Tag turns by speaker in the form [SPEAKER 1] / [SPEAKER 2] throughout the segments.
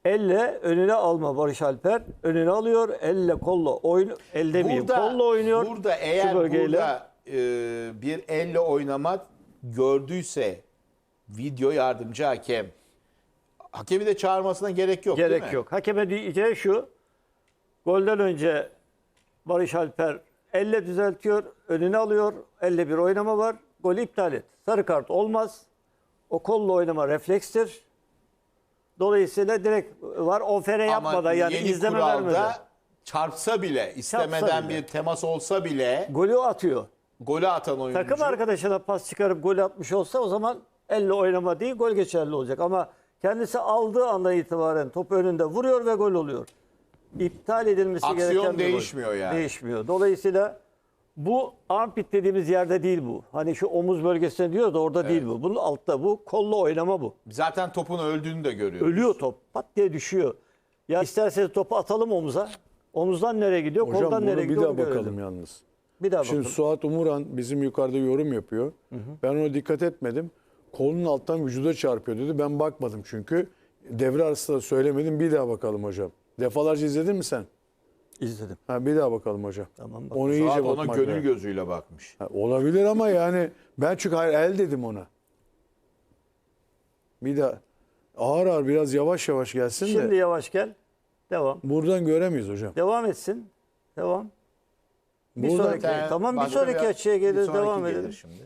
[SPEAKER 1] Elle önüne alma Barış Alper. Önüne alıyor. Elle kolla oynuyor. El demeyeyim. Kolla oynuyor.
[SPEAKER 2] Burada eğer burada bir elle oynama gördüyse video yardımcı hakem, hakemi de çağırmasına gerek yok, değil mi?
[SPEAKER 1] Gerek yok. Hakeme diyeceği şu. Golden önce Barış Alper elle düzeltiyor. Önüne alıyor. Elle bir oynama var. Golü iptal et. Sarı kart olmaz. O kolla oynama reflekstir. Dolayısıyla direkt var. Ofere yapmadan yani
[SPEAKER 2] yeni
[SPEAKER 1] izleme
[SPEAKER 2] kuralda
[SPEAKER 1] vermeden.
[SPEAKER 2] çarpsa bile, istemeden
[SPEAKER 1] bile.
[SPEAKER 2] bir temas olsa bile
[SPEAKER 1] Golü atıyor.
[SPEAKER 2] golü atan oyuncu.
[SPEAKER 1] Takım arkadaşına pas çıkarıp gol atmış olsa o zaman elle oynama değil gol geçerli olacak. Ama kendisi aldığı andan itibaren top önünde vuruyor ve gol oluyor. İptal edilmesi
[SPEAKER 2] Aksiyon
[SPEAKER 1] gereken bir gol.
[SPEAKER 2] değişmiyor yani.
[SPEAKER 1] Değişmiyor. Dolayısıyla bu armpit dediğimiz yerde değil bu. Hani şu omuz bölgesinde diyor da orada değil bu. Bunun altta bu. Kolla oynama bu.
[SPEAKER 2] Zaten topun öldüğünü de görüyoruz.
[SPEAKER 1] Ölüyor top. Pat diye düşüyor. Ya isterseniz topu atalım omuza. Omuzdan nereye gidiyor?
[SPEAKER 3] Hocam
[SPEAKER 1] koldan
[SPEAKER 3] bunu
[SPEAKER 1] nereye
[SPEAKER 3] bir
[SPEAKER 1] gidiyor?
[SPEAKER 3] daha
[SPEAKER 1] onu görelim.
[SPEAKER 3] bakalım yalnız.
[SPEAKER 1] Bir daha
[SPEAKER 3] Şimdi
[SPEAKER 1] bakalım.
[SPEAKER 3] Suat Umuran bizim yukarıda yorum yapıyor. Ben ona dikkat etmedim. Kolunun alttan vücuda çarpıyor dedi. Ben bakmadım çünkü. Devre arasında da söylemedim. Bir daha bakalım hocam. Defalarca izledin mi sen?
[SPEAKER 1] İzledim.
[SPEAKER 3] Ha, bir daha bakalım hocam.
[SPEAKER 1] Tamam, bak.
[SPEAKER 3] Onu
[SPEAKER 2] Suat
[SPEAKER 3] iyice
[SPEAKER 2] ona
[SPEAKER 3] bakmak
[SPEAKER 2] gönül
[SPEAKER 3] lazım.
[SPEAKER 2] gözüyle bakmış.
[SPEAKER 3] Ha, olabilir ama yani ben çünkü hayır el dedim ona. Bir daha ağır ağır biraz yavaş yavaş gelsin
[SPEAKER 1] Şimdi
[SPEAKER 3] de
[SPEAKER 1] yavaş gel. Devam.
[SPEAKER 3] buradan göremeyiz hocam.
[SPEAKER 1] Devam etsin. Devam. Bir
[SPEAKER 3] Buradan-
[SPEAKER 1] sonraki. Tamam bir sonraki açıya
[SPEAKER 2] bir
[SPEAKER 1] gelir.
[SPEAKER 2] sonraki
[SPEAKER 1] Devam
[SPEAKER 2] gelir
[SPEAKER 1] edelim.
[SPEAKER 2] şimdi.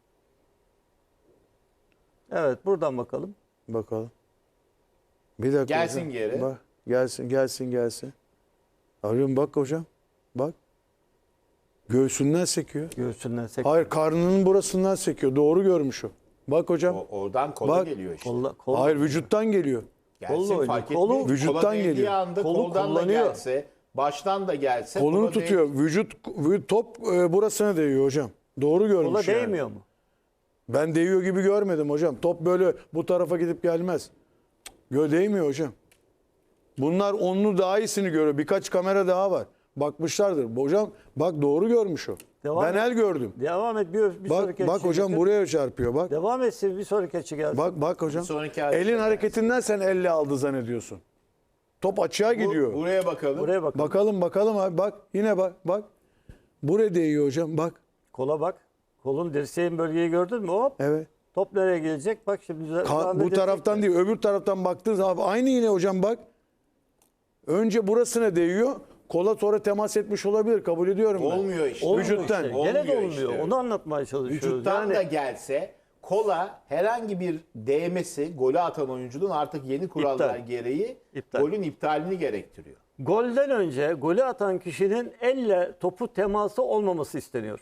[SPEAKER 1] Evet buradan bakalım.
[SPEAKER 3] Bakalım. Bir dakika
[SPEAKER 2] Gelsin
[SPEAKER 3] hocam.
[SPEAKER 2] geri.
[SPEAKER 3] Bak, gelsin. Arıyorum bak hocam. Bak. Göğsünden sekiyor.
[SPEAKER 1] Göğsünden sek.
[SPEAKER 3] Hayır karnının burasından sekiyor. Doğru görmüş o. Bak hocam.
[SPEAKER 2] Oradan kola
[SPEAKER 3] Bak.
[SPEAKER 2] geliyor işte.
[SPEAKER 1] Kolla.
[SPEAKER 3] Hayır vücuttan geliyor.
[SPEAKER 2] Gelsin
[SPEAKER 1] kolla oynuyor.
[SPEAKER 2] fark
[SPEAKER 1] Kolu
[SPEAKER 2] etmiyor.
[SPEAKER 3] vücuttan
[SPEAKER 2] Kola değdiği
[SPEAKER 3] geliyor.
[SPEAKER 2] anda
[SPEAKER 1] Kolu
[SPEAKER 2] koldan da
[SPEAKER 1] kullanıyor.
[SPEAKER 2] gelse, baştan da gelse.
[SPEAKER 3] Kolunu
[SPEAKER 2] kola
[SPEAKER 3] tutuyor. Top burasına değiyor hocam. Doğru görmüş
[SPEAKER 1] Kola
[SPEAKER 3] yani.
[SPEAKER 1] değmiyor mu?
[SPEAKER 3] Ben değiyor gibi görmedim hocam. Top böyle bu tarafa gidip gelmez. Değmiyor hocam. Bunlar onlu daha iyisini görüyor. Birkaç kamera daha var. Bakmışlardır. Hocam bak doğru görmüş o.
[SPEAKER 1] Devam
[SPEAKER 3] ben
[SPEAKER 1] et.
[SPEAKER 3] el gördüm.
[SPEAKER 1] Devam et. Bir sonraki
[SPEAKER 3] Bak
[SPEAKER 1] açıya
[SPEAKER 3] hocam
[SPEAKER 1] getir.
[SPEAKER 3] buraya çarpıyor bak.
[SPEAKER 1] Devam etsin bir sonraki açı gelsin.
[SPEAKER 3] Bak hocam.
[SPEAKER 2] sonraki açı
[SPEAKER 3] Elin
[SPEAKER 2] gelsin.
[SPEAKER 3] hareketinden sen elle aldı zannediyorsun. Top açığa gidiyor.
[SPEAKER 2] Buraya bakalım.
[SPEAKER 1] Buraya bak.
[SPEAKER 3] Bakalım abi bak. Yine bak. Buraya değiyor hocam bak.
[SPEAKER 1] Kola bak. Kolun dirseğin bölgeyi gördün mü? Hop.
[SPEAKER 3] Evet.
[SPEAKER 1] Top nereye gelecek? Bak şimdi.
[SPEAKER 3] Bu taraftan değil öbür taraftan baktığı zaman aynı yine hocam bak. Önce burasına değiyor. Kola sonra temas etmiş olabilir. Kabul ediyorum ben.
[SPEAKER 2] Olmuyor işte.
[SPEAKER 3] Vücuttan.
[SPEAKER 1] Gene de
[SPEAKER 2] Olmuyor
[SPEAKER 1] olmuyor.
[SPEAKER 2] işte.
[SPEAKER 1] Onu anlatmaya çalışıyoruz.
[SPEAKER 2] Vücuttan
[SPEAKER 1] Yani
[SPEAKER 2] da gelse kola herhangi bir değmesi golü atan oyuncunun artık yeni kurallar
[SPEAKER 1] İptal.
[SPEAKER 2] gereği
[SPEAKER 1] İptal.
[SPEAKER 2] golün iptalini gerektiriyor.
[SPEAKER 1] golden önce golü atan kişinin elle topu teması olmaması isteniyor.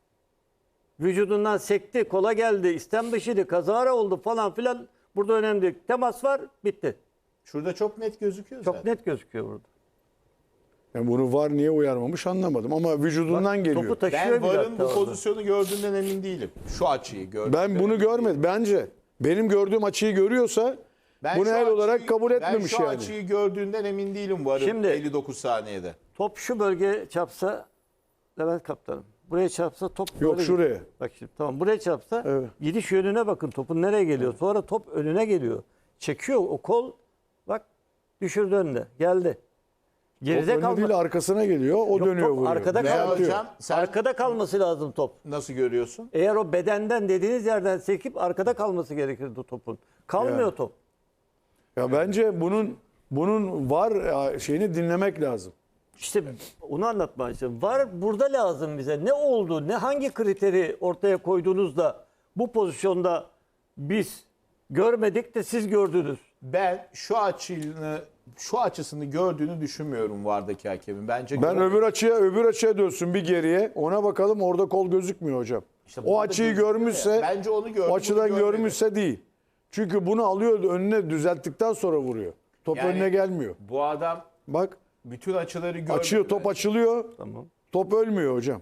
[SPEAKER 1] Vücudundan sekti, kola geldi, istem dışıydı, kazara oldu falan filan. Burada önemli değil. Temas var, bitti.
[SPEAKER 2] Şurada çok net gözüküyor
[SPEAKER 1] Çok
[SPEAKER 2] zaten.
[SPEAKER 1] net gözüküyor burada.
[SPEAKER 3] Yani bunu var niye uyarmamış anlamadım ama vücudundan geliyor.
[SPEAKER 1] Topu taşıyor
[SPEAKER 2] Ben
[SPEAKER 1] bile
[SPEAKER 2] VAR'ın
[SPEAKER 1] hatta
[SPEAKER 2] bu
[SPEAKER 1] orada.
[SPEAKER 2] pozisyonu gördüğünden emin değilim. Şu açıyı gördüm.
[SPEAKER 3] Ben bunu görmedim. Bence benim gördüğüm açıyı görüyorsa bunu el olarak kabul etmemiş
[SPEAKER 2] Ben şu
[SPEAKER 3] yani.
[SPEAKER 2] açıyı gördüğünden emin değilim VAR'ın
[SPEAKER 1] Şimdi-
[SPEAKER 2] 59 saniyede.
[SPEAKER 1] Top şu bölgeye çarpsa, Levent Kaptanım. Buraya çarpsa top
[SPEAKER 3] Yok,
[SPEAKER 1] böyle
[SPEAKER 3] şuraya.
[SPEAKER 1] gidiyor. Bak şimdi tamam buraya çarpsa
[SPEAKER 3] Evet.
[SPEAKER 1] gidiş yönüne bakın topun nereye geliyor. Sonra top önüne geliyor. Çekiyor o kol. Bak düşürdü önüne. Geldi.
[SPEAKER 3] Top
[SPEAKER 1] Geride
[SPEAKER 3] önüne
[SPEAKER 1] kalma.
[SPEAKER 3] değil arkasına geliyor. O
[SPEAKER 1] Yok,
[SPEAKER 3] dönüyor
[SPEAKER 1] top
[SPEAKER 3] vuruyor.
[SPEAKER 1] arkada
[SPEAKER 2] Veya
[SPEAKER 1] kaldı.
[SPEAKER 2] hocam sen
[SPEAKER 1] Arkada kalması lazım top.
[SPEAKER 2] nasıl görüyorsun?
[SPEAKER 1] Eğer o bedenden dediğiniz yerden sekip arkada kalması gerekirdi topun. Kalmıyor
[SPEAKER 3] Yani.
[SPEAKER 1] top.
[SPEAKER 3] Ya bence bunun var şeyini dinlemek lazım.
[SPEAKER 1] İşte onu anlatmaya çalışıyorum. Var burada lazım bize. Ne oldu? Hangi kriteri ortaya koyduğunuzda bu pozisyonda biz görmedik de siz gördünüz.
[SPEAKER 2] Ben şu açısını gördüğünü düşünmüyorum VAR'daki hakemin. Bence
[SPEAKER 3] Ben öbür açıya dönsün bir geriye. Ona bakalım orada kol gözükmüyor hocam.
[SPEAKER 2] İşte
[SPEAKER 3] O
[SPEAKER 2] burada
[SPEAKER 3] açıyı
[SPEAKER 2] gözüküyor
[SPEAKER 3] görmüşse
[SPEAKER 2] ya. Bence onu gördü,
[SPEAKER 3] o açıdan
[SPEAKER 2] bunu görmedi.
[SPEAKER 3] görmüşse değil. Çünkü bunu alıyor önüne düzelttikten sonra vuruyor. Top
[SPEAKER 2] Yani
[SPEAKER 3] önüne gelmiyor.
[SPEAKER 2] Bu adam
[SPEAKER 3] Bak
[SPEAKER 2] bütün açıları görmedi.
[SPEAKER 3] açıyor top
[SPEAKER 2] bence.
[SPEAKER 3] açılıyor.
[SPEAKER 1] Tamam.
[SPEAKER 3] Top ölmüyor hocam.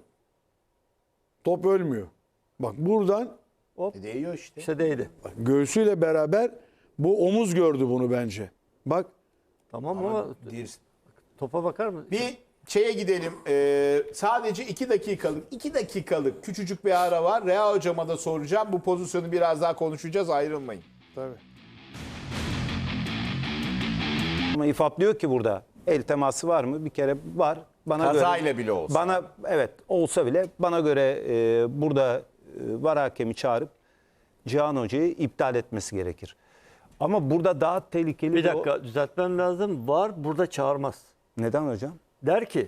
[SPEAKER 3] Top ölmüyor. Bak buradan
[SPEAKER 2] Değiyor işte.
[SPEAKER 1] İşte değdi.
[SPEAKER 3] bak, göğsüyle beraber bu omuz gördü bunu bence. Bak
[SPEAKER 1] Tamam ama topa bakar mısın?
[SPEAKER 2] Bir şeye gidelim. Sadece 2 dakikalık küçücük bir ara var. Rea hocama da soracağım. Bu pozisyonu biraz daha konuşacağız. Ayrılmayın.
[SPEAKER 3] tabii.
[SPEAKER 4] Ama İFAP diyor ki burada el teması var mı? Bir kere var. Bana
[SPEAKER 2] Kazayla
[SPEAKER 4] göre,
[SPEAKER 2] bile olsa.
[SPEAKER 4] Bana evet olsa bile bana göre burada VAR hakemi çağırıp Cihan Hoca'yı iptal etmesi gerekir. Ama burada daha tehlikeli
[SPEAKER 1] Bir
[SPEAKER 4] de o-
[SPEAKER 1] dakika düzeltmem lazım. VAR burada çağırmaz.
[SPEAKER 4] Neden hocam?
[SPEAKER 1] Der ki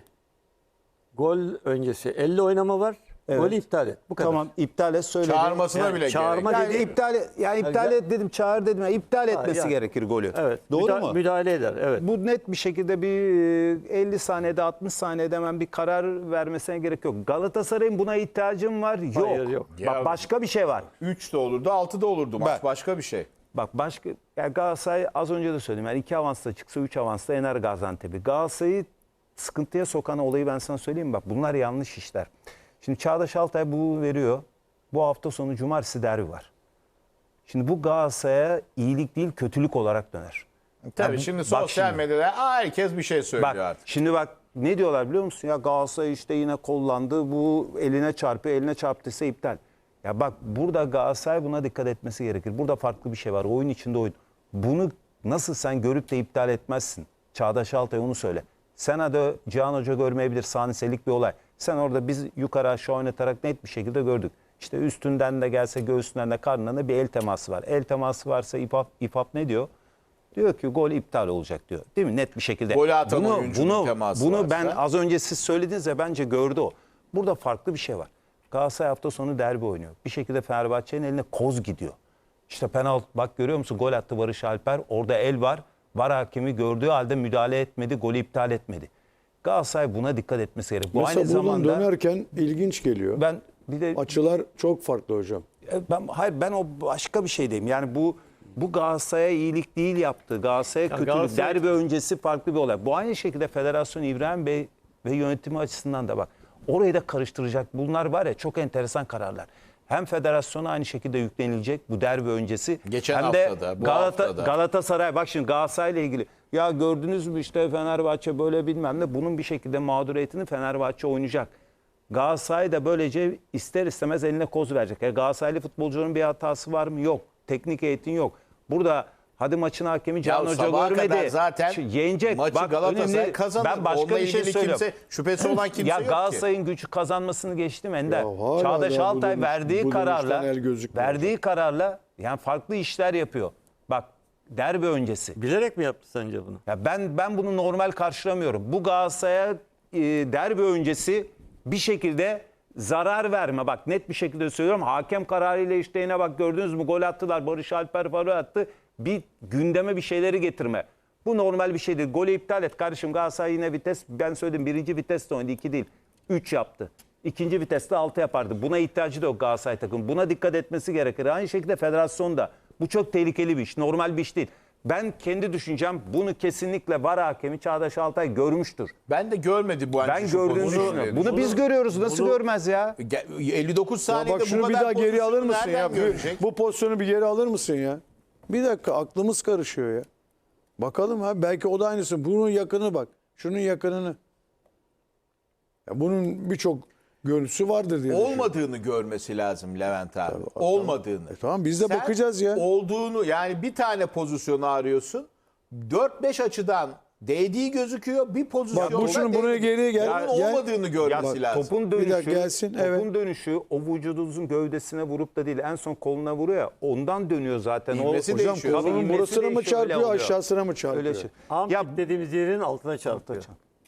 [SPEAKER 1] gol öncesi 50 oynama var.
[SPEAKER 4] Evet.
[SPEAKER 1] Golü iptal et. Bu kadar.
[SPEAKER 4] Tamam iptal et söyledi.
[SPEAKER 2] Çağırmasına
[SPEAKER 1] Yani
[SPEAKER 2] bile
[SPEAKER 1] çağırma
[SPEAKER 2] gerek.
[SPEAKER 4] Yani
[SPEAKER 1] dediğim-
[SPEAKER 4] iptal et dedim, çağır dedim. Yani iptal etmesi
[SPEAKER 1] yani.
[SPEAKER 4] gerekir golü.
[SPEAKER 1] Evet.
[SPEAKER 4] Doğru mu?
[SPEAKER 1] Müdahale eder. Evet.
[SPEAKER 4] Bu net bir şekilde bir 50 saniyede 60 saniyede hemen bir karar vermesine gerek yok. Galatasaray'ın buna ihtiyacım var. Yok.
[SPEAKER 1] Hayır, yok.
[SPEAKER 4] Bak
[SPEAKER 2] Ya-
[SPEAKER 4] başka bir şey var.
[SPEAKER 2] 3 de olurdu, 6 da olurdu. Maç
[SPEAKER 4] Bak.
[SPEAKER 2] başka bir şey.
[SPEAKER 4] Bak başka yani Galatasaray az önce de söyledim. Yani 2 avansla çıksa 3 avansla yener Gaziantep'i. Galatasaray'ı sıkıntıya sokan olayı ben sana söyleyeyim mi? Bak bunlar yanlış işler. Şimdi Çağdaş Altay bu veriyor. Bu hafta sonu cumartesi derbi var. Şimdi bu Galatasaray'a iyilik değil kötülük olarak döner.
[SPEAKER 2] Tabii
[SPEAKER 4] Yani
[SPEAKER 2] şimdi
[SPEAKER 4] bak
[SPEAKER 2] sosyal
[SPEAKER 4] şimdi.
[SPEAKER 2] medyada herkes bir şey söylüyor
[SPEAKER 4] Bak
[SPEAKER 2] artık.
[SPEAKER 4] şimdi bak ne diyorlar biliyor musun? Ya Galatasaray işte yine kollandı. Bu eline çarpıyor. Eline çarptıysa iptal. Ya bak burada Galatasaray buna dikkat etmesi gerekir. Burada farklı bir şey var. Oyun içinde oyun. Bunu nasıl sen görüp de iptal etmezsin? Çağdaş Altay onu söyle. Sen hadi Cihan Hoca görmeyebilir saniselik bir olay. Sen orada biz yukarı aşağı oynatarak net bir şekilde gördük. İşte üstünden de gelse göğsünden de karnından da bir el teması var. El teması varsa İFAP ne diyor? Diyor ki gol iptal olacak diyor. Değil mi? Net bir şekilde.
[SPEAKER 2] Golü atan oyuncunun teması
[SPEAKER 4] Bunu
[SPEAKER 2] varsa.
[SPEAKER 4] ben az önce siz söylediniz ya bence gördü o. Burada farklı bir şey var. Galatasaray hafta sonu derbi oynuyor. Bir şekilde Fenerbahçe'nin eline koz gidiyor. İşte penaltı bak görüyor musun? Gol attı Barış Alper. Orada el var. VAR hakemi gördüğü halde müdahale etmedi. Golü iptal etmedi. Galatasaray buna dikkat etmesi gerekiyor. Bu
[SPEAKER 3] Mesela
[SPEAKER 4] aynı
[SPEAKER 3] buradan
[SPEAKER 4] zamanda
[SPEAKER 3] dönerken ilginç geliyor.
[SPEAKER 4] ben bir de
[SPEAKER 3] Açılar çok farklı hocam.
[SPEAKER 4] ben o başka bir şey diyeyim. Yani bu Galatasaray'a iyilik değil yaptı. Galatasaray'a kötülük.
[SPEAKER 1] Galatasaray-
[SPEAKER 4] Derbi öncesi farklı bir olay. Bu aynı şekilde Federasyon İbrahim Bey ve yönetimi açısından da bak. Orayı da karıştıracak. Bunlar var ya çok enteresan kararlar. Hem federasyona aynı şekilde yüklenilecek bu derbi öncesi.
[SPEAKER 2] Geçen
[SPEAKER 4] hem de
[SPEAKER 2] haftada, bu haftada.
[SPEAKER 4] Galatasaray bak şimdi Galatasaray'la ilgili. Ya gördünüz mü işte Fenerbahçe böyle bilmem ne. Bunun bir şekilde mağduriyetini Fenerbahçe oynayacak. Galatasaray da böylece ister istemez eline koz verecek. Galatasaraylı futbolcunun bir hatası var mı? Yok. Teknik eğitim yok. Burada hadi maçın hakemi Cihan Hoca
[SPEAKER 2] sabaha
[SPEAKER 4] görmedi.
[SPEAKER 2] kadar zaten
[SPEAKER 4] Yenecek.
[SPEAKER 2] maçı
[SPEAKER 4] Bak,
[SPEAKER 2] Galatasaray
[SPEAKER 4] önemli.
[SPEAKER 2] kazanır.
[SPEAKER 4] Ben başka
[SPEAKER 2] Onunla
[SPEAKER 4] bir şey
[SPEAKER 2] ilgili
[SPEAKER 4] söylüyorum.
[SPEAKER 2] şüphesi olan kimse
[SPEAKER 4] Ya
[SPEAKER 2] yok ki.
[SPEAKER 4] Galatasaray'ın gücü kazanmasını geçtim Ender.
[SPEAKER 3] Ya hala
[SPEAKER 4] Çağdaş
[SPEAKER 3] da bu
[SPEAKER 4] Altay
[SPEAKER 3] dönüş-
[SPEAKER 4] verdiği
[SPEAKER 3] bu
[SPEAKER 4] kararla
[SPEAKER 3] dönüşten el gözükmüyor.
[SPEAKER 4] yani farklı işler yapıyor. Bak derbi öncesi.
[SPEAKER 1] Bilerek mi yaptı sence bunu?
[SPEAKER 4] Ya ben bunu normal karşılamıyorum. Bu Galatasaray'a derbi öncesi bir şekilde zarar verme. Bak net bir şekilde söylüyorum. Hakem kararıyla işte yine bak gördünüz mü gol attılar. Barış Alper gol attı. Bir gündeme bir şeyleri getirme. Bu normal bir şey değil. Golü iptal et kardeşim. Galatasaray yine vites. Ben söyledim birinci viteste oynadı. 2 değil. 3 yaptı. İkinci viteste 6 yapardı. Buna ihtiyacı da yok Galatasaray takım. Buna dikkat etmesi gerekir. Aynı şekilde federasyon da. Bu çok tehlikeli bir iş. Normal bir iş değil. Ben kendi düşüncem bunu kesinlikle VAR hakemi Çağdaş Altay görmüştür.
[SPEAKER 2] Ben de görmedi bu
[SPEAKER 4] Ben gördüğünü düşünüyorum. Bunu biz görüyoruz. Nasıl görmez ya?
[SPEAKER 2] 59
[SPEAKER 3] Ya
[SPEAKER 2] saniyede
[SPEAKER 3] bak şunu
[SPEAKER 2] bu
[SPEAKER 3] bir
[SPEAKER 2] kadar
[SPEAKER 3] daha geri alır
[SPEAKER 2] pozisyonu
[SPEAKER 3] mısın ya?
[SPEAKER 2] nereden görecek?
[SPEAKER 3] Bu pozisyonu bir geri alır mısın ya? Bir dakika aklımız karışıyor ya. Bakalım ha belki o da aynısı. Bunun yakını bak. Şunun yakınını. Ya bunun birçok görüntüsü vardır diye düşünüyorum.
[SPEAKER 2] Olmadığını görmesi lazım Levent abi. Olmadığını.
[SPEAKER 3] Tamam biz de
[SPEAKER 2] Sen
[SPEAKER 3] bakacağız ya.
[SPEAKER 2] Olduğunu yani bir tane pozisyonu arıyorsun. 4-5 açıdan değdiği gözüküyor. Bir pozisyonda
[SPEAKER 3] Bak bu şunun buraya
[SPEAKER 2] değmedi.
[SPEAKER 3] geriye gel.
[SPEAKER 2] Onun
[SPEAKER 3] Gel.
[SPEAKER 2] olmadığını görmesi lazım.
[SPEAKER 4] Topun
[SPEAKER 3] Bir dakika
[SPEAKER 4] dönüşü,
[SPEAKER 3] gelsin,
[SPEAKER 4] topun
[SPEAKER 3] evet.
[SPEAKER 4] dönüşü o vücudunuzun gövdesine vurup da değil en son koluna vuruyor ya ondan dönüyor zaten.
[SPEAKER 2] İvmesi
[SPEAKER 4] o,
[SPEAKER 2] değişiyor.
[SPEAKER 4] Tabii
[SPEAKER 3] Kolunun
[SPEAKER 4] ivmesi
[SPEAKER 3] burasına mı
[SPEAKER 4] değişiyor, öyle
[SPEAKER 3] çarpıyor
[SPEAKER 4] oluyor.
[SPEAKER 3] aşağısına mı çarpıyor?
[SPEAKER 4] Öyle şey.
[SPEAKER 1] Armpit
[SPEAKER 4] Ya
[SPEAKER 1] dediğimiz yerin altına çarpıyor.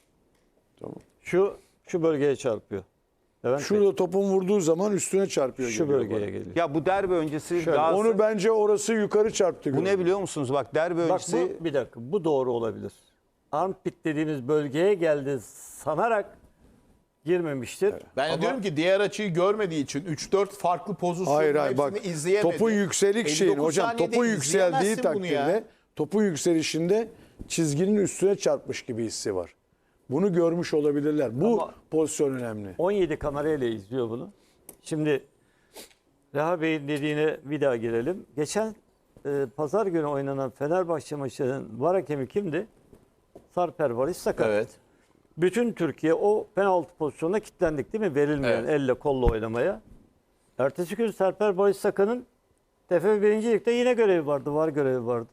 [SPEAKER 1] Şu bölgeye çarpıyor. Levent Bey,
[SPEAKER 3] Şurada topun vurduğu zaman üstüne çarpıyor.
[SPEAKER 1] şu
[SPEAKER 3] geliyor
[SPEAKER 1] bölgeye
[SPEAKER 3] bana.
[SPEAKER 1] geliyor.
[SPEAKER 4] ya bu derbi öncesi
[SPEAKER 3] Onu
[SPEAKER 4] Galatasaray-
[SPEAKER 3] bence orası yukarı çarptı.
[SPEAKER 4] bu ne biliyor musunuz? Bak derbi
[SPEAKER 1] Bak
[SPEAKER 4] öncesi
[SPEAKER 1] bu bir dakika bu doğru olabilir. Armpit dediğimiz bölgeye geldi sanarak girmemiştir.
[SPEAKER 2] Ben de diyorum ki diğer açıyı görmediği için 3-4 farklı pozisyonun
[SPEAKER 3] Hayır hayır
[SPEAKER 2] hepsini
[SPEAKER 3] bak
[SPEAKER 2] izleyemedi.
[SPEAKER 3] topun yükselik şeyin
[SPEAKER 2] 59
[SPEAKER 3] hocam
[SPEAKER 2] saniyede
[SPEAKER 3] topun yükseldiği
[SPEAKER 2] izleyemezsin bunu ya.
[SPEAKER 3] takdirde topun yükselişinde çizginin üstüne çarpmış gibi hissi var. Bunu görmüş olabilirler. Bu
[SPEAKER 1] Ama-
[SPEAKER 3] pozisyon önemli.
[SPEAKER 1] 17 kamerayla izliyor bunu. Şimdi Reha Bey'in dediğine bir daha girelim. Geçen pazar günü oynanan Fenerbahçe maçının VAR hakemi kimdi? Sarper Barış Sakat.
[SPEAKER 2] Evet.
[SPEAKER 1] Bütün Türkiye o penaltı pozisyonuna kilitlendik değil mi? Verilmeyen
[SPEAKER 2] Evet.
[SPEAKER 1] elle kolla oynamaya. Ertesi gün Sarper Barış Sakat'ın TFF 1. Lig'de yine görevi vardı. VAR görevi vardı.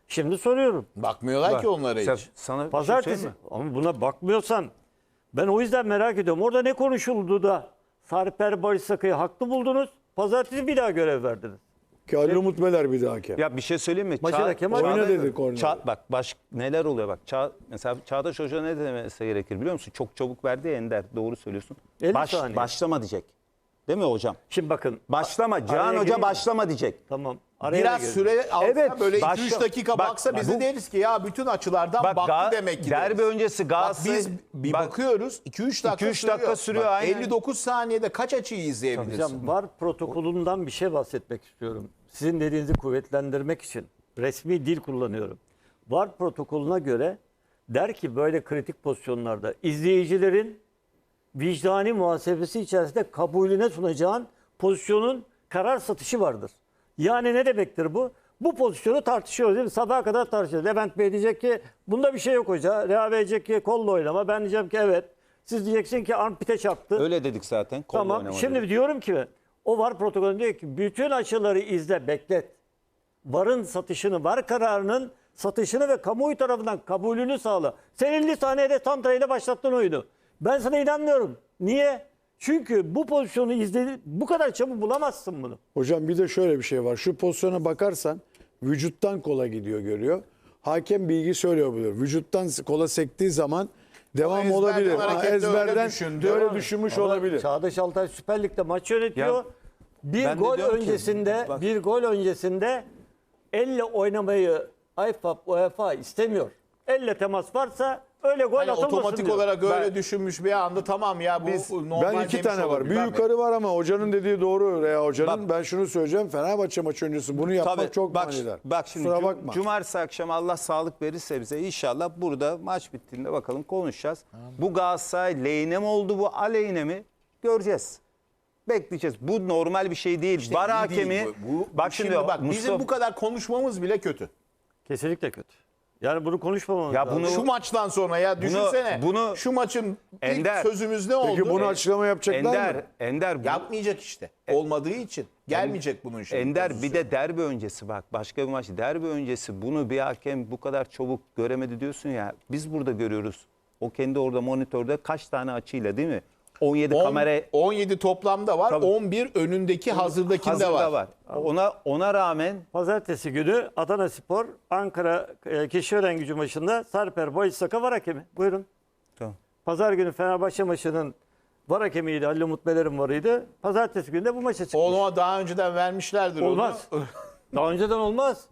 [SPEAKER 1] Şimdi soruyorum.
[SPEAKER 2] Bakmıyorlar ki onlara hiç.
[SPEAKER 4] Sana bir şey
[SPEAKER 1] Pazartesi.
[SPEAKER 4] söyleyeyim mi?
[SPEAKER 1] Ama buna bakmıyorsan ben o yüzden merak ediyorum. Orada ne konuşuldu da Sarper Barış Sakı'yı haklı buldunuz. Pazartesi bir daha görev verdiniz.
[SPEAKER 3] Ki Ali Umut Meler bir daha hakem.
[SPEAKER 4] Ya bir şey söyleyeyim mi?
[SPEAKER 1] Maçı da Kemal
[SPEAKER 3] Oyna
[SPEAKER 1] Bey-
[SPEAKER 3] dedi korner.
[SPEAKER 4] Bak neler oluyor bak. Mesela Çağdaş Hoca ne demesi gerekir biliyor musun? Çok çabuk verdi ya Ender. Doğru söylüyorsun.
[SPEAKER 1] 50 saniye.
[SPEAKER 4] Başlama diyecek. Değil mi hocam?
[SPEAKER 1] Şimdi bakın.
[SPEAKER 4] Başlama. Cihan
[SPEAKER 1] Araya
[SPEAKER 4] Hoca
[SPEAKER 1] gireyim.
[SPEAKER 4] başlama diyecek.
[SPEAKER 1] Tamam. Araya
[SPEAKER 2] Biraz
[SPEAKER 1] da girdim.
[SPEAKER 2] süre alsa
[SPEAKER 4] Evet,
[SPEAKER 2] böyle 2-3
[SPEAKER 4] başla-
[SPEAKER 2] dakika
[SPEAKER 4] bak,
[SPEAKER 2] baksa biz
[SPEAKER 4] bu-
[SPEAKER 2] de deriz ki ya bütün açılardan baktı demek ki.
[SPEAKER 4] derbi
[SPEAKER 2] deriz.
[SPEAKER 4] öncesi
[SPEAKER 2] Bak
[SPEAKER 4] Galatasaray
[SPEAKER 2] biz bir bakıyoruz 2-3 dakika
[SPEAKER 4] 2-3 dakika sürüyor,
[SPEAKER 2] Bak,
[SPEAKER 4] aynen.
[SPEAKER 2] 59 saniyede kaç açıyı izleyebilirsin?
[SPEAKER 1] Hocam VAR protokolünden bir şey bahsetmek istiyorum. Sizin dediğinizi kuvvetlendirmek için resmi dil kullanıyorum. VAR protokolüne göre der ki böyle kritik pozisyonlarda izleyicilerin vicdani muhasebesi içerisinde kabulüne sunacağın pozisyonun karar satışı vardır. Yani ne demektir bu? Bu pozisyonu tartışıyoruz değil mi? Sabaha kadar tartışıyoruz. Levent Bey diyecek ki bunda bir şey yok hoca. Reha Bey diyecek ki kolla oynama. Ben diyeceğim ki evet. Siz diyeceksin ki armpite çarptı.
[SPEAKER 4] Öyle dedik zaten. Kolla
[SPEAKER 1] Tamam.
[SPEAKER 4] oynama
[SPEAKER 1] Şimdi
[SPEAKER 4] dedik.
[SPEAKER 1] diyorum ki o VAR protokolü diyor ki bütün açıları izle, beklet. VAR'ın satışını, VAR kararının satışını ve kamuoyu tarafından kabulünü sağla. Sen 50 saniyede Tantra başlattın oyunu. Ben sana inanmıyorum. Niye? Çünkü bu pozisyonu izledi, bu kadar çabuk bulamazsın bunu.
[SPEAKER 3] Hocam bir de şöyle bir şey var. Şu pozisyona bakarsan vücuttan kola gidiyor görüyor. Hakem bilgi söylüyor bunu. Vücuttan kola sektiği zaman devam
[SPEAKER 2] ezberden
[SPEAKER 3] olabilir.
[SPEAKER 2] harekette öyle
[SPEAKER 3] Ezberden
[SPEAKER 2] düşündü.
[SPEAKER 3] öyle düşünmüş
[SPEAKER 1] Ama
[SPEAKER 3] olabilir.
[SPEAKER 1] Çağdaş Altay Süper Lig'de maç yönetiyor.
[SPEAKER 4] Ya,
[SPEAKER 1] bir
[SPEAKER 4] ben de
[SPEAKER 1] gol
[SPEAKER 4] diyorum ki,
[SPEAKER 1] öncesinde
[SPEAKER 4] bak-
[SPEAKER 1] bir gol öncesinde elle oynamayı IFAB, UEFA istemiyor. Elle temas varsa öyle gol
[SPEAKER 2] Hani
[SPEAKER 1] atılmasın
[SPEAKER 2] otomatik
[SPEAKER 1] diyor.
[SPEAKER 2] olarak öyle düşünmüş bir anda tamam ya bu normal
[SPEAKER 3] Ben iki
[SPEAKER 2] demiş
[SPEAKER 3] tane var.
[SPEAKER 2] olabilir.
[SPEAKER 3] Bir
[SPEAKER 2] Ben-
[SPEAKER 3] yukarı var ama hocanın dediği doğru Reha Hoca'nın.
[SPEAKER 4] Bak-
[SPEAKER 3] Ben şunu söyleyeceğim. Fenerbahçe maçı öncesi bunu yapmak
[SPEAKER 4] Tabii,
[SPEAKER 3] çok
[SPEAKER 4] bak,
[SPEAKER 3] manidar.
[SPEAKER 4] bak şimdi
[SPEAKER 3] Kusura bakma.
[SPEAKER 4] cumartesi akşam Allah sağlık verirse bize inşallah burada maç bittiğinde bakalım konuşacağız. Bu Galatasaray lehine mi oldu bu aleyhine mi göreceğiz. Bekleyeceğiz. Bu normal bir şey değil.
[SPEAKER 2] İşte
[SPEAKER 4] VAR
[SPEAKER 2] iyi
[SPEAKER 4] hakemi
[SPEAKER 2] değil bu.
[SPEAKER 4] bak şimdi
[SPEAKER 2] bak bizim
[SPEAKER 4] Mustafa
[SPEAKER 2] bu kadar konuşmamız bile kötü.
[SPEAKER 1] Kesinlikle kötü. Yani bunu konuşmamamız
[SPEAKER 4] Ya
[SPEAKER 1] lazım.
[SPEAKER 4] bunu-
[SPEAKER 2] Şu maçtan sonra ya düşünsene.
[SPEAKER 4] bunu-
[SPEAKER 2] şu maçın
[SPEAKER 4] Ender,
[SPEAKER 2] ilk sözümüz ne oldu?
[SPEAKER 3] Peki bunu açıklama yapacaklar mı?
[SPEAKER 4] Ender
[SPEAKER 2] Yapmayacak işte. Olmadığı için. Gelmeyecek bunun şimdi.
[SPEAKER 4] Ender
[SPEAKER 2] pozisyon.
[SPEAKER 4] bir de derbi öncesi bak başka bir maç derbi öncesi bunu bir hakem bu kadar çabuk göremedi diyorsun ya biz burada görüyoruz. O kendi orada monitörde kaç tane açıyla değil mi? 17 kamera
[SPEAKER 2] 17 toplamda var.
[SPEAKER 4] Tabii.
[SPEAKER 2] 11 önündeki hazırdakinde
[SPEAKER 4] hazırda
[SPEAKER 2] var.
[SPEAKER 4] Ona rağmen
[SPEAKER 1] Pazartesi günü Adana Spor Ankara Keçiören Gücü maçında Sarper Barış Saka var hakemi. Buyurun.
[SPEAKER 4] Tamam.
[SPEAKER 1] Pazar günü Fenerbahçe maçının var hakemiydi. Halil Umut Meler'in varıydı. Pazartesi günü de bu maça çıkmış.
[SPEAKER 2] Onu daha önceden vermişlerdir
[SPEAKER 1] Olmaz.
[SPEAKER 2] onu.
[SPEAKER 1] Daha önceden olmaz.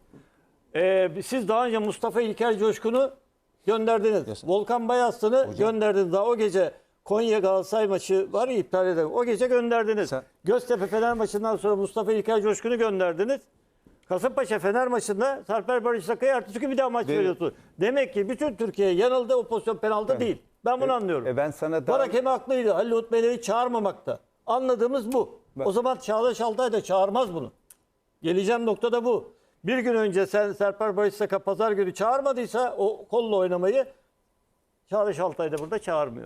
[SPEAKER 1] Siz daha önce Mustafa İlker Coşkun'u gönderdiniz. Volkan Bayaslı'nı gönderdiniz. Daha o gece Konya Galatasaray maçı var ya iptal edelim. O gece gönderdiniz. Göztepe Fener maçından sonra Mustafa İlker Coşkun'u gönderdiniz. Kasımpaşa Fener maçında Sarper Barış Sakı'ya ertesi gün bir daha maç veriyorsun. Demek ki bütün Türkiye yanıldı. O pozisyon penaltı değil. Ben bunu anlıyorum.
[SPEAKER 4] ben sana daha
[SPEAKER 1] Var hakemi haklıydı. Halil Umut Meler'i çağırmamakta. Anladığımız bu. O zaman Çağdaş Altay da çağırmaz bunu. Geleceğim nokta da bu. Bir gün önce Sarper Barış Saka pazar günü çağırmadıysa o kolla oynamayı Çağdaş Altay da burada çağırmıyor.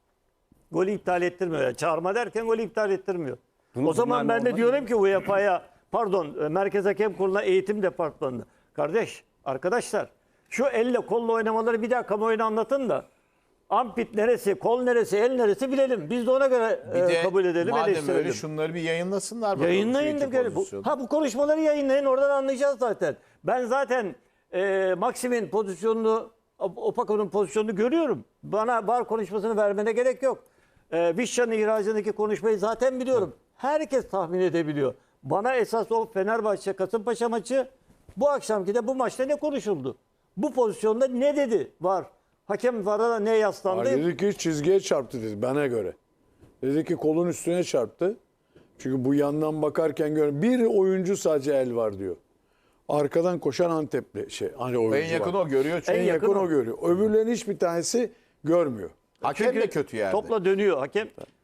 [SPEAKER 1] Golü iptal ettirmiyor. Yani çağırma derken golü iptal ettirmiyor. O zaman ben de diyorum ki UEFA'ya Merkez Hakem Kurulu'na eğitim departmanına. Arkadaşlar şu elle kolla oynamaları bir daha kamuoyuna anlatın da ampit neresi, kol neresi, el neresi bilelim. Biz de ona göre
[SPEAKER 2] Bir de
[SPEAKER 1] kabul edelim,
[SPEAKER 2] madem
[SPEAKER 1] eleştirelim.
[SPEAKER 2] öyle şunları bir yayınlasınlar. bakalım
[SPEAKER 1] Yayınlayın
[SPEAKER 2] şu
[SPEAKER 1] da
[SPEAKER 2] iki
[SPEAKER 1] göre.
[SPEAKER 2] pozisyonu.
[SPEAKER 1] Bu konuşmaları yayınlayın, oradan anlayacağız zaten. Ben zaten Maxim'in pozisyonunu, Opako'nun pozisyonunu görüyorum. Bana VAR konuşmasını vermene gerek yok. Vişça'nın ihracındaki konuşmayı zaten biliyorum. Herkes tahmin edebiliyor. Bana esas o Fenerbahçe Kasımpaşa maçı, bu akşamki de bu maçta ne konuşuldu? Bu pozisyonda ne dedi VAR? Hakem VAR'a ne yaslandı?
[SPEAKER 3] Dedi ki çizgiye çarptı dedi bana göre. Dedi ki kolun üstüne çarptı. Çünkü bu yandan bakarken bir oyuncu sadece el var diyor. Arkadan koşan Antepli hani oyuncu
[SPEAKER 2] En yakın
[SPEAKER 3] var.
[SPEAKER 2] o görüyor çünkü.
[SPEAKER 3] En yakın
[SPEAKER 1] yakın
[SPEAKER 3] o
[SPEAKER 1] o.
[SPEAKER 3] görüyor. Öbürlerin hiçbir tanesi görmüyor.
[SPEAKER 2] Hakem de kötü yani.
[SPEAKER 1] Topla dönüyor hakem.